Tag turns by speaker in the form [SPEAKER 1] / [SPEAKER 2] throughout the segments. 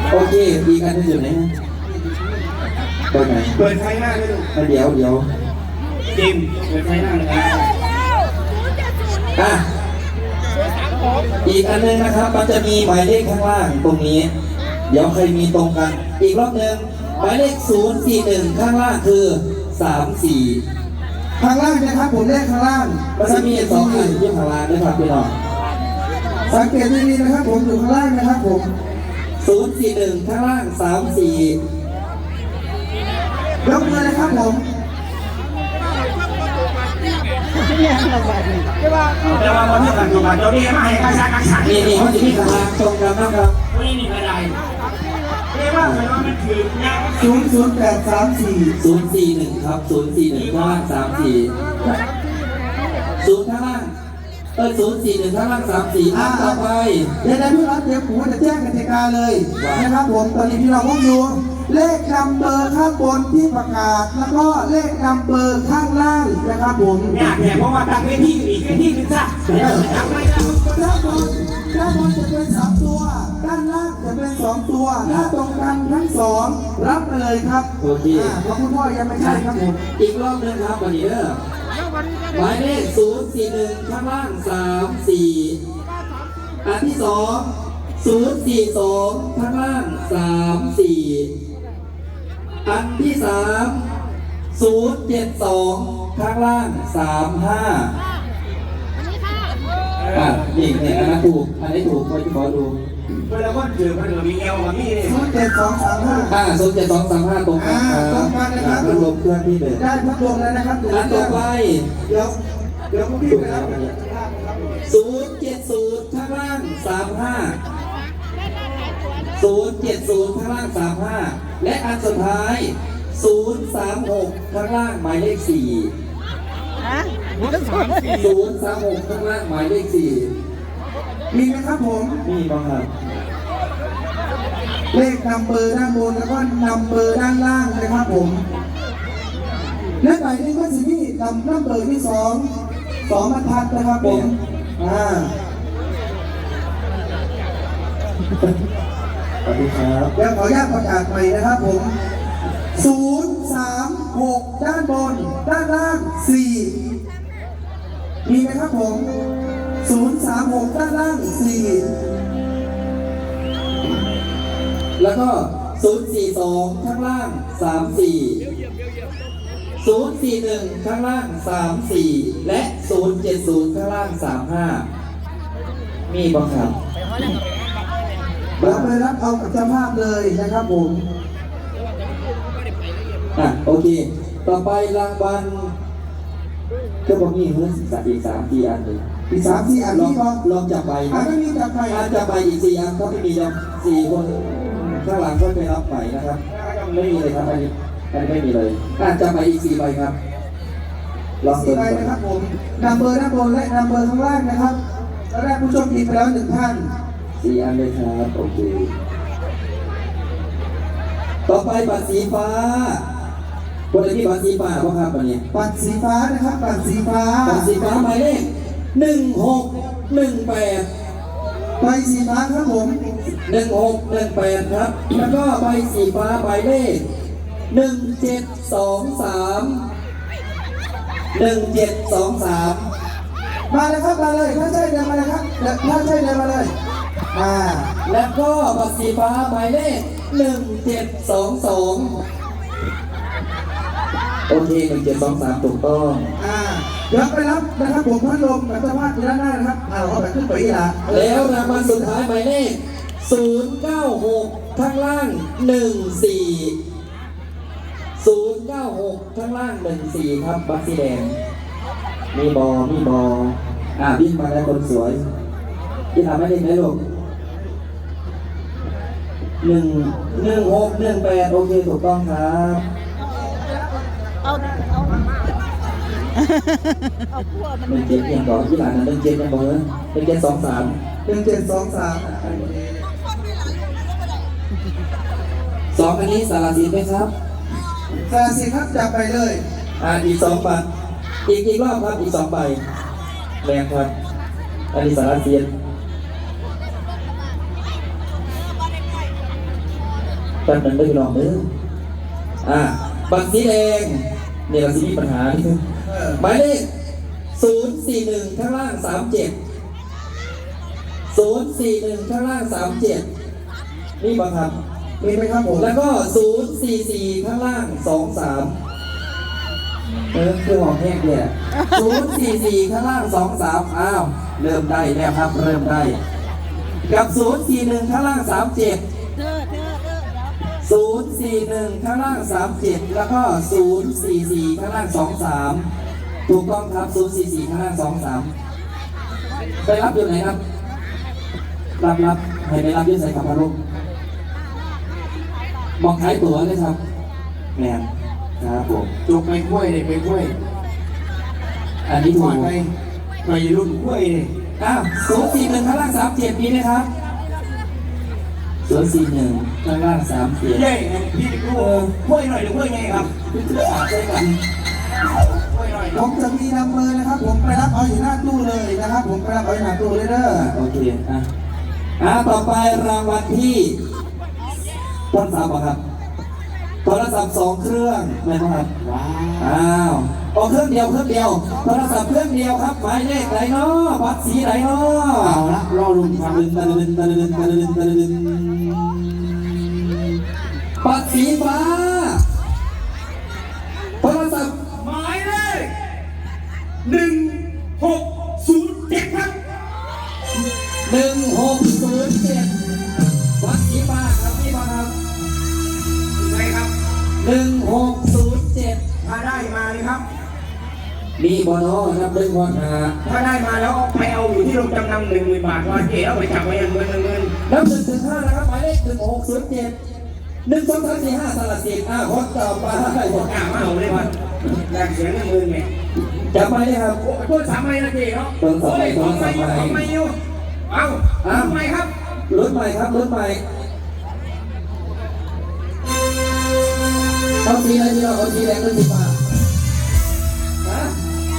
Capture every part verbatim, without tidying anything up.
[SPEAKER 1] โอเคอีกอันนึงอยู่ไหนฮะเปิดไหน
[SPEAKER 2] เปิดไฟหน้าเลยลูก
[SPEAKER 1] เดี๋ยวเดี๋ยว
[SPEAKER 2] จิมเปิดไฟหน้าเลยครับ
[SPEAKER 1] อ่ะอีกอันนึงนะครับมันจะมีหมายเลขข้างล่างตรงนี้เดี๋ยวใครมีตรงกันอีกรอบหนึ่งหมายเลขศูนย์สี่หนึ่งข้างล่างคือสามสี่
[SPEAKER 3] ข้างล่างนะครับผมเลขข้างล่าง
[SPEAKER 1] มันจะมีสองอันที่ข้างล่างนะครับพี่น้อง
[SPEAKER 3] สังเกตดีๆนะครับผมอยู่ข้างล่างนะครับผม
[SPEAKER 1] ศูนย์สี่หนึ่งข้างล่างสามสี่
[SPEAKER 3] ยกมือเลยครับผม
[SPEAKER 2] จะว่าวันนี้กันอยู่บ้านเจ้านี่มาให้ใครสักกันสัก
[SPEAKER 1] นี่นี่เขาจะมีข้างล่างตรงกันนะครับ
[SPEAKER 2] ไม่มีอะไรเรียกว่าอะไรว่ามันถือเนี่ย
[SPEAKER 3] ศูนย์ศูนย์แปดสามสี่
[SPEAKER 1] ศูนย์สี่หนึ่งครับศูนย์สี่หนึ่งข้างล่างสามสี่ศูนย์ข้างล่างเออศูนย์สี่หนึ่งข้างล่างสามสี่อ่าต่อไป
[SPEAKER 3] เดี๋ยวพี่รับเดี๋ยวผมจะแจ้งกติกาเลยนะครับผมตอนนี้พี่เราพบอยู่เลขนัมเบอร์ข้างบนที่ประกาศแล้วก็เลขนัมเบอร์ข้างล่างนะครับผม
[SPEAKER 2] อยากเนี่ยเพราะว่าตั้งเวทีอีกเวทีนึงซะตั้งไม่ได้
[SPEAKER 3] ด้านบนด้านบนจะเป็นสามตัวด้านล่างจะเป็นสองตัวถ้าตรงกันทั้งสองรับไปเลยครับ
[SPEAKER 1] โอเค
[SPEAKER 3] เพราะคุณพ่อยังไม่ใช่ครับผม
[SPEAKER 1] อีกรอบนึงครับวันนี้เด้อหมายเลขศูนย์สี่หนึ่งข้างล่างสามสี่อันที่สองศูนย์สี่สองข้างล่างสามสี่อันที่สามศูนย์เจ็ดสองข้างล่างสามห้าอ่ะนี่เนี่ยอันนั้นถูกอันนี้ถูกไปขอดู
[SPEAKER 2] เวลาคนถือมันมีเอวกับพี่
[SPEAKER 3] ศูนย์เจ็ดสองสามห้า
[SPEAKER 1] อ่าศูนย์เจ็ดสองสามห้าตรงกันครับ
[SPEAKER 3] ตรงกันนะครับ
[SPEAKER 1] พัดลมเครื่องที่หนึ่ง
[SPEAKER 3] ได้พัดลมแล้วนะครับ
[SPEAKER 1] อันต่อไป
[SPEAKER 3] เดี๋ยวเดี๋ยวพี่ไปรับ
[SPEAKER 1] ศูนย์เจ็ดศูนย์ข้างล่างสามห้าศูนย์เจ็ดศูนย์ข้างล่างสามห้าและอันสุดท้ายศูนย์สามหกข้างล่างหมายเลขสี่ศูนย์สามหกข้างล่างหมายเลขสี่
[SPEAKER 3] มีไหมครับผม
[SPEAKER 1] มีบ้างครับ
[SPEAKER 3] เลขนัมเบอร์ด้านบนแล้วก็นัมเบอร์ด้านล่างนะครับผมและหมายเลขว่าสิที่นัมนัมเบอร์ที่สองสองบรรทัดนะครับผมอ่า
[SPEAKER 1] สวัสดีครับ
[SPEAKER 3] เดี๋ยวขออนุญาตประกาศใหม่นะครับผมศูนย์สามหกด้านบนด้านล่างสี่มีไหมครับผมศูนย์สามหกด้านล่างสี่
[SPEAKER 1] แล้วก็ศูนย์สี่สองข้างล่างสามสี่ศูนย์สี่หนึ่งข้างล่างสามสี่และศูนย์เจ็ดศูนย์ข้างล่างสามห้ามีบ้างครับ
[SPEAKER 3] เราไปรับเอากับเจ้าภาพเลยนะครับผม
[SPEAKER 1] อ่ะโอเคต่อไปรางวัลก็บอกนี่เฮ้ยอีกสามสี่อันเลย
[SPEAKER 3] อีกสามสี่อัน
[SPEAKER 1] ลอง
[SPEAKER 3] นี้ก็
[SPEAKER 1] ลองจับใบ
[SPEAKER 3] อ่ะไม่มีจับใบ
[SPEAKER 1] อ่ะจับใบอีกสี่อันถ้าไม่มีลองสี่คนข้างหลังก็ไปรับใหม่นะครับไม่มีเลยครับอันนี้อันนี้ไม่มีเลยอ่ะจับใบอีกสี่ใบครับ
[SPEAKER 3] ลองสี่ใบนะครับผมนัมเบอร์ด้านบนและนัมเบอร์ข้างล่างนะครับแล้วได้ผู้โชคดีไปแล้วหนึ่งท่าน
[SPEAKER 1] สี่อันเลยครับโอเคต่อไปบัตรสีฟ้าคนที่บัตรสีฟ้าบ้างครับวันนี้
[SPEAKER 3] บัตรสีฟ้านะครับบัตรสีฟ้า
[SPEAKER 1] บัตรสีฟ้าหมายเลขหนึ่งหกหนึ่งแปด
[SPEAKER 3] ใบสีฟ้าครับผม
[SPEAKER 1] หนึ่งหกหนึ่งแปดครับแล้วก็ใบสีฟ้าหมายเลขหนึ่งเจ็ดสองสามหนึ่งเจ็ดสองสาม
[SPEAKER 3] มาเลยครับมาเลยถ้าใช่เดินมาเลยครับถ้าใช่เดินมาเลยอ่า
[SPEAKER 1] แล้วก็บัตรสีฟ้าหมายเลขหนึ่งเจ็ดสองสองโอเคหนึ่งเจ็ดสองสามถูกต้อง
[SPEAKER 3] อ่าเดี๋ยวไปรับนะครับผมพัดลมกับเจ้าภาพที่ด้านหน้านะครับเอาเอาแบบขึ้นไปอีกละ
[SPEAKER 1] แล้วรางวัลสุดท้ายหมายเลขศูนย์เก้าหกข้างล่างหนึ่งสี่ศูนย์เก้าหกข้างล่างหนึ่งสี่ครับบัตรสีแดงมีบอมีบออ่าวิ่งมาแล้วคนสวยที่ทำให้เล่นได้ลูกหนึ่งหนึ่งหกหนึ่งแปดโอเคถูกต้องครับเอาเอาเอาพวกมันเป็นเจ็ดยังบอกที่หลานนั้นเป็นเจ็ดยังบอกเลยเป็นเจ็ดสองสาม
[SPEAKER 3] เป็นเจ็ดสองสาม
[SPEAKER 1] สองอันนี้สารสินไหมครับ
[SPEAKER 3] สารสินครับจับไปเลย
[SPEAKER 1] อ่าอีกสองใบอีกอีกรอบครับอีกสองใบแรงครับอันนี้สารสินป๊บนึงได้พี่น้องเด้ออ่าบัตรสีแดงเนี่ยเราสิมีปัญหาที่หมายเลขศูนย์สี่หนึ่งข้างล่างสามเจ็ดศูนย์สี่หนึ่งข้างล่างสามเจ็ดนี่บังคับ
[SPEAKER 3] มีไหมครับผม
[SPEAKER 1] แล้วก็ศูนย์สี่สี่ข้างล่างสองสามเออคือหอมแห้งเนี่ยศูนย์สี่สี่ข้างล่างสองสามอ้าวเริ่มได้แล้วครับเริ่มได้กับศูนย์สี่หนึ่งข้างล่างสามเจ็ดศูนย์สี่หนึ่งข้างล่างสามเจ็ดแล้วก็ศูนย์สี่สี่ข้างล่างสองสามถูกต้องครับศูนย์สี่สี่ข้างล่างสองสามไปรับอยู่ไหนครับรับรับให้ไปรับอยื่ใส่กับพารุมองขายตั๋วเลยครับแมนครับผม
[SPEAKER 2] จกไปกล้วยเลยไปกล้วย
[SPEAKER 1] อันนี้ถู
[SPEAKER 2] ก่อก นไปไปรุ่นกล้วยเลย
[SPEAKER 1] อ้าวศูนย์สี่หนึ่งข้างล่างสามเจ็ดมีไหมครับศูนย์สี่หนึ่งข้างล่างสามเจ็ด
[SPEAKER 2] เย้พี่ดูกล้วยหน่อยหรือกล้วยไงครับ
[SPEAKER 1] สามเจ็ดกัน
[SPEAKER 2] กล้วยหน่อย
[SPEAKER 3] ผมจะมีนัมเบอร์นะครับ ผมไปรับเอาอยู่หน้าตู้เลยนะครับ ผมไปรับเอาอยู่หน้าตู้เลยเด้อ
[SPEAKER 1] โอเคอ่ะอ่ะต่อไปรางวัลที่ต้นสามครับโทรศัพท์สองเครื่องไม่ครับ
[SPEAKER 2] ว้า
[SPEAKER 1] อ้าวเอาเครื่องเดียวเครื่องเดียวโทรศัพท์เครื่องเดียวครับหมายเลขไหนเนาะบัตรสีไหนเนาะ
[SPEAKER 2] เอาละรอลุง
[SPEAKER 1] ตะ
[SPEAKER 2] ฟัง
[SPEAKER 1] ลึงตะลึงตะลึงตะลึงตะลึงบัตรสีฟ้าโทรศัพท์
[SPEAKER 2] หมายเลขหนึ่งหกศูนย์เจ็ดครับ
[SPEAKER 1] หนึ่งหกศูนย์เจ็ดบัตรสีฟ้าครับพี่ฟ้าครับ
[SPEAKER 2] ใช่ครับ
[SPEAKER 1] หนึ่งหกศูนย์เจ็ด
[SPEAKER 2] ถ้าได้มาเลยครับ
[SPEAKER 1] มีบอนอครับดึงบอลหา
[SPEAKER 2] ถ้าได้มาแล้วไปเอาอยู่ที่โรงจำนำหนึ่งหมื่นบาทวันเก๋เอาไปจับไว้ยังเงินเงิน
[SPEAKER 1] นับหนึ่งถึงห้านะครับหมายเลขหนึ่งหกศูนย์เจ็ดหนึ่งสองสามสี่ห้าสลัดสิบอ่าคนต่อไป
[SPEAKER 2] หมดกล้ามาเอาเลยวันแรงเสียงเงินหมื่นไง
[SPEAKER 1] จับไปเลยครับ
[SPEAKER 2] โอ้เพิ่มสามใบนะเก๋เนาะโอ้ยสองใบอยู่สองใบอยู่เอาเอาทำไมครับ
[SPEAKER 1] รถใหม่ครับรถใหม่เอาสีอะไรดีเราเอาสีแดงหรือสีฟ้าฮะ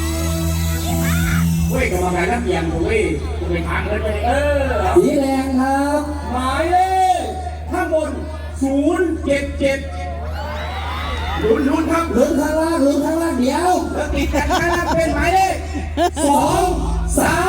[SPEAKER 2] เว้ยกรรมการนักเรียนผมเว้ยผมไปทางเลยไปเออ
[SPEAKER 1] สีแดงครับ
[SPEAKER 2] หมายเลขข้างบนศูนย์เจ็ดเจ็ดลุ้นลุ้นครับ
[SPEAKER 1] ลุ้นข้างล่างลุ้นข้างล่างเดียว
[SPEAKER 2] แล้วติดกันข้างล่างเป็นหมายเลขสองสาม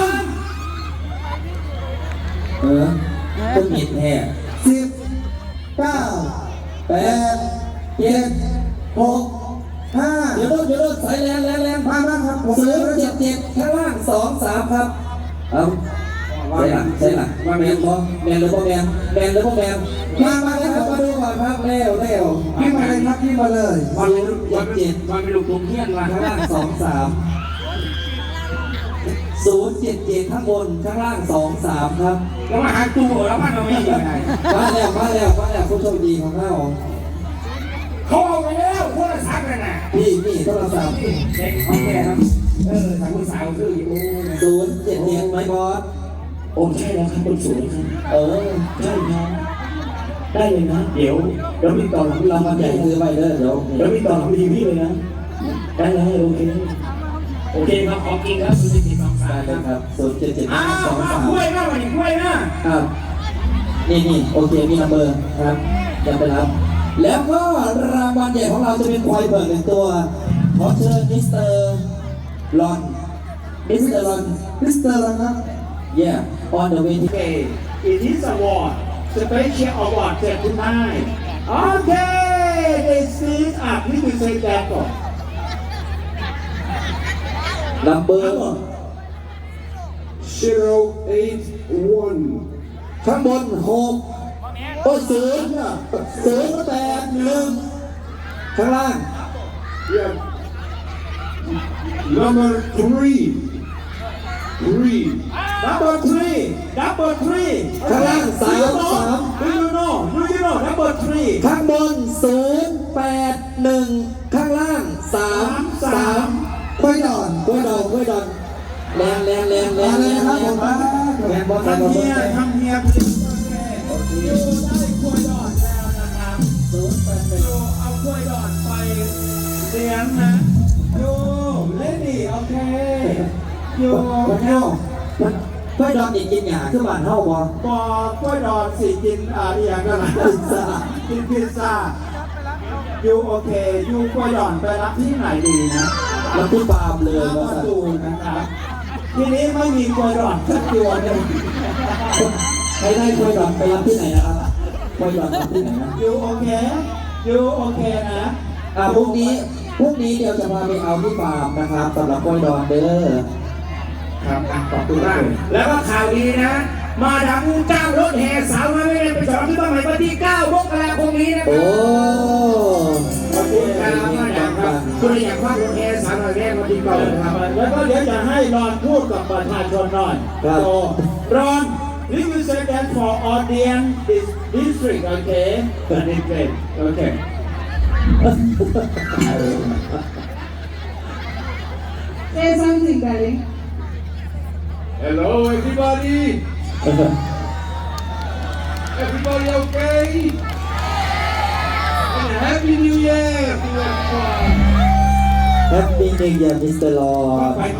[SPEAKER 1] เออต้องหยิบแห่
[SPEAKER 3] สิบเก้า
[SPEAKER 1] แป
[SPEAKER 3] แป
[SPEAKER 1] ด
[SPEAKER 3] ดเจ็ดหกห้า
[SPEAKER 1] เดี๋ยวรถเดี๋ยวรถสายแรงแรงแรง
[SPEAKER 3] มามาครับผม
[SPEAKER 1] ศูนย์เจ็ดเจ็ดข้างล่างสองสามครับเอาใช่หลักใช่หลักว่าแมนบ่แมนหรือบ่แมนแมนหรือบ่แมนมามาแล้วครับมาดูก่อนครับเร็วเร็ว
[SPEAKER 3] พี่มาเลยครับพี่มาเลย
[SPEAKER 2] วันเป็นวันเป็นวันเป็นลูกตุ้มเทียนว่ะ
[SPEAKER 1] ข้างล่างสองสามศูนย์เจ็ดเจ็ดข้างบนข้างล่างสองสามครับ
[SPEAKER 2] แล้วมาหาตู้แล้วมันเราไม่ยังไง
[SPEAKER 1] มาแล้วมาแล้วมาแล้วผู้โชคดีของเรา
[SPEAKER 2] เขาเอาไปแล้วโทรศัพท์นั่นน่ะ
[SPEAKER 1] พี่พี่โทรศัพท์
[SPEAKER 2] เด็กเขาแก่ครับเออทางคุณสาวคืออยู่
[SPEAKER 1] ศูนย์เจ็ดเจ็ดไหมบอส
[SPEAKER 2] โอ้ใช่แล้วครับคนสวยครับ
[SPEAKER 1] เออ
[SPEAKER 2] ใช่ครับได้เลยนะ เดี๋ยวเดี๋ยวมีต่อหลัง
[SPEAKER 1] เรา
[SPEAKER 2] เรา
[SPEAKER 1] มา
[SPEAKER 2] มา
[SPEAKER 1] แจ
[SPEAKER 2] แจ
[SPEAKER 1] ก
[SPEAKER 2] ก
[SPEAKER 1] คือไปเด้อเดี๋ยว
[SPEAKER 2] เดี๋ยวมีต่อหลังทีพี่เลยนะได้เลยโอเคโอเคครับขอกินครับคุณสิบสองสา
[SPEAKER 1] ได้
[SPEAKER 2] ม
[SPEAKER 1] เลยครับศูนย์เจ็ดเจ็ด
[SPEAKER 2] อ้าว
[SPEAKER 1] สอง
[SPEAKER 2] มา
[SPEAKER 1] สาม
[SPEAKER 2] กล้วยหน้าวันนี้กล้วยหน้า
[SPEAKER 1] ครับนี่นี่โอเคมีนัมเบอร์ครับจะไปรับ แล้วก็รางวัลใหญ่ของเราจะเป็นควายเบิกหนึ่งตัวขอเชิญมิสเตอร์ลอนมิสเตอร์ลอน
[SPEAKER 3] มิสเตอร์แล้วครับ
[SPEAKER 1] yeah on the way ที่
[SPEAKER 2] Okay, it is award, special award set tonight. Okay, this is up. You can say that one.
[SPEAKER 1] นัมเบอร์
[SPEAKER 2] Zero eight one.
[SPEAKER 1] ข้างบนหกโอ้ยศูนย์ศูนย์แปดหนึ่งข้างล่าง
[SPEAKER 2] Yeah. Number three. Three. Number three. Number three.
[SPEAKER 1] ข้างล่างสามสาม
[SPEAKER 2] Do you know? Do you know? Number three.
[SPEAKER 1] ข้างบนศูนย์แปดหนึ่งข้างล่างสามสาม
[SPEAKER 3] ค่อยดอน
[SPEAKER 1] กล้วยดองกล้วยดองแรงแรงแรงแร
[SPEAKER 3] มาง เล
[SPEAKER 1] แร
[SPEAKER 3] ย
[SPEAKER 1] ง
[SPEAKER 3] นะครับผมมา
[SPEAKER 1] แรงบอลแรง
[SPEAKER 2] ทำ
[SPEAKER 1] บอล
[SPEAKER 2] เฮียทำเฮียอยู่ได้กล้วยดอนแล้วนะครับ
[SPEAKER 1] ศูนย์แปดหนึ่ง
[SPEAKER 2] โยเอากล้วยดอนไปเลี้ยงนะโยเล่นดิโอเคโย
[SPEAKER 1] มันเท่ามันกล้วยดองนี่กินหยาคือบ้านเท่าบ่
[SPEAKER 2] บอกกล้วยดอนสิกินอะไรอย่างกันนะ
[SPEAKER 1] อิสระ
[SPEAKER 2] กกินพิซซ่ายูโอเคยูกลัวหย่อนไปรับที่ไหนดีนะ
[SPEAKER 1] แล้วที่ฟาร์มเลย
[SPEAKER 2] ข้า
[SPEAKER 1] ว่า
[SPEAKER 2] มาดูนะครับทีนี้ไม่มีกลัวหย่อนสักตัวหนึ่ง
[SPEAKER 1] ใครได้ควยดอนไปรับที่ไหนนะครับควยดอนรับที่ไหนนะ
[SPEAKER 2] ยูโอเคยูโอเคนะ
[SPEAKER 1] อ่าพรุ่งนี้พรุ่งนี้เดี๋ยวจะพาไปเอาที่ฟาร์มนะครับสำหรับควยดอนเด้อ
[SPEAKER 2] ครับอ่ะขอบคุณมากแล้วก็ข่าวดีนะ มาดามเจ้ารถแห่สาวมาไม่ได้ไปฉลองที่บ้านใหม่วันที่เก้ามกราคมนี้นะค
[SPEAKER 1] โอ้
[SPEAKER 2] รับขอบคุณครับมาดามครับคุณอยากว่ารถแห่สาวหน่อยแม่วันที่เก้าครับแล้วก็เดี๋ยวจะให้รอนพูดกับประชาชนหน่อยโตรอน This is second for audience this district okay district okay
[SPEAKER 4] Say something, darling.
[SPEAKER 5] Hello, everybody. Everybody okay? And Happy New Year to everyone.
[SPEAKER 1] Happy New Year มิสเตอร์ลอร์